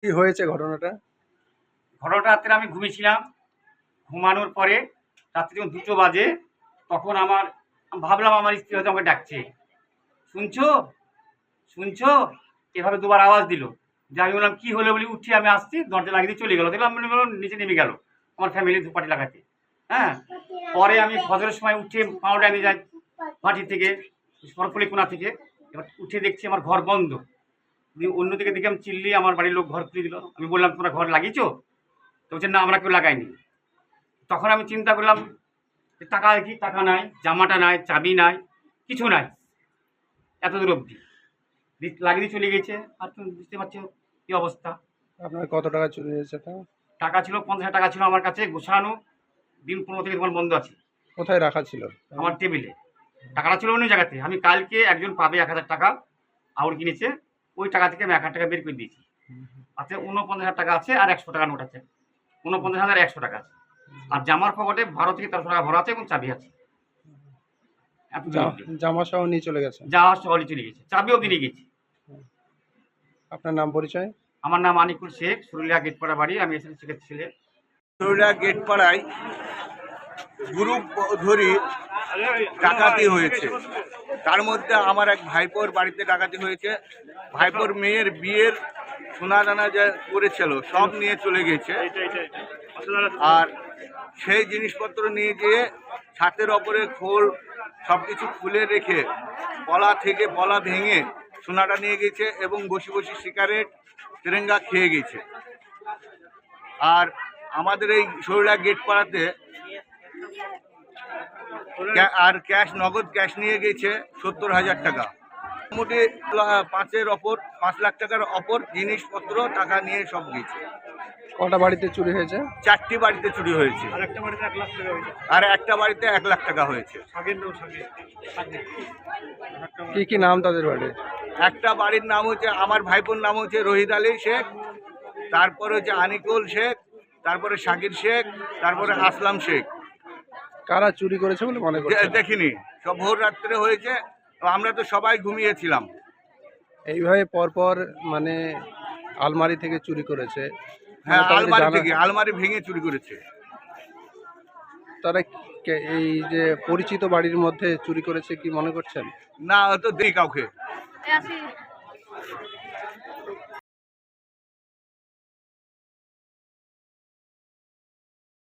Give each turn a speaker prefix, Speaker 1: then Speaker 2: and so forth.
Speaker 1: কি হয়েছে ঘটনাটা?
Speaker 2: ঘটনাটা রাত্রে আমি ঘুমিয়েছিলাম। ঘুমানোর পরে রাত্রি যখন 2টো বাজে তখন ভাবলাম আমার স্ত্রী হয়তো আমাকে ডাকছে, শুনছো শুনছো, এভাবে দুবার আওয়াজ দিল। যে আমি বললাম কি হলো বলি, উঠি আমি আসছি, দরজা লাগিয়ে দিয়ে চলে গেল। দেখলাম মনে করলাম নিচে নেমে গেল আমার ফ্যামিলি ধূপকাঠি লাগাতে। হ্যাঁ, পরে আমি ফজরের সময় উঠে পাউডার নিয়ে যাই মাটির থেকে, সরফুলি কোনা থেকে। এবার উঠে দেখছি আমার ঘর বন্ধ। দিয়ে অন্যদিকে দেখে আমি চিল্লি, আমার বাড়ির লোক ঘর খুলে দিল। আমি বললাম তোমরা ঘর লাগিয়েছো? তো বলছে না, আমরা কেউ লাগাইনি। তখন আমি চিন্তা করলাম যে টাকা কি, টাকা নাই, জামাটা নাই, চাবি নাই, কিছু নাই, এত দূর অবধি লাগিয়ে দিয়ে চলে গেছে। আর তুমি বুঝতে পারছো কি অবস্থা।
Speaker 1: আপনার কত টাকা চুরি হয়েছে তাও?
Speaker 2: টাকা ছিল 50,000 টাকা ছিল আমার কাছে গোছানো, দিন 15 থেকে তোমার বন্ধ আছে
Speaker 1: কোথায় রাখা ছিল?
Speaker 2: আমার টেবিলে। টাকাটা ছিল অন্য জায়গাতে। আমি কালকে একজন পাবে 1,000 টাকা আউর কিনেছে, ওই টাকা থেকে আমি 1,000 টাকা বের করে দিয়েছি। আছে 49,000 টাকা আছে, আর 100 টাকা নোট আছে। 49,100 টাকা আছে। আর জামার পকেটে 12 থেকে 1300 টাকা ভরা আছে এবং চাবি আছে।
Speaker 1: জামা সহ নিয়ে চলে গেছে?
Speaker 2: যাওয়া সহলে চলে গেছে, চাবিও কিনে গেছি।
Speaker 1: আপনার নাম পরিচয়?
Speaker 2: আমার নাম আনিকুল শেখ, সুরুলিয়া গেটপাড়া বাড়ি। আমি এসএসসি শেখের ছেলে।
Speaker 3: সুরুলিয়া গেটপাড়ায় গ্রুপ ধরি ডাকাতি হয়েছে। তার মধ্যে আমার এক ভাইপোর বাড়িতে ডাকাতি হয়েছে। ভাইপোর মেয়ের বিয়ের সোনা দানা যা করেছিল সব নিয়ে চলে গেছে। আর সেই জিনিসপত্র নিয়ে গিয়ে ছাতের ওপরে খোল সব কিছু খুলে রেখে পলা থেকে পলা ভেঙে সোনাটা নিয়ে গেছে এবং বসে বসে সিগারেট তেরেঙ্গা খেয়ে গেছে। আর আমাদের এই সুরুলিয়া গেট পাড়াতে আর ক্যাশ, নগদ ক্যাশ নিয়ে গেছে 70,000 টাকা। মোটামুটি 5 লাখ টাকার অপর জিনিসপত্র টাকা নিয়ে সব গেছে।
Speaker 1: কটা বাড়িতে চুরি হয়েছে?
Speaker 3: 4টি বাড়িতে চুরি হয়েছে। আর একটা বাড়িতে 1 লাখ টাকা হয়েছে।
Speaker 1: কি কি নাম তাদের বাড়ির?
Speaker 3: একটা বাড়ির নাম হচ্ছে, আমার ভাইপোর নাম হচ্ছে রহিদ আলী শেখ, তারপরে হচ্ছে আনিকুল শেখ, তারপরে শাকির শেখ, তারপরে আসলাম শেখ।
Speaker 1: কারা চুরি করেছে বলে মনে করছেন?
Speaker 3: দেখিনি, সব ভোর রাত্রে হয়েছে, আমরা তো সবাই ঘুমিয়েছিলাম।
Speaker 1: এইভাবে পরপর মানে আলমারি থেকে চুরি করেছে?
Speaker 3: হ্যাঁ,
Speaker 1: মানে
Speaker 3: আলমারি থেকে, আলমারি ভেঙে চুরি করেছে।
Speaker 1: তারা এই যে পরিচিত বাড়ির মধ্যে চুরি করেছে কি মনে করছেন?
Speaker 3: না, তো দেই কাউকে।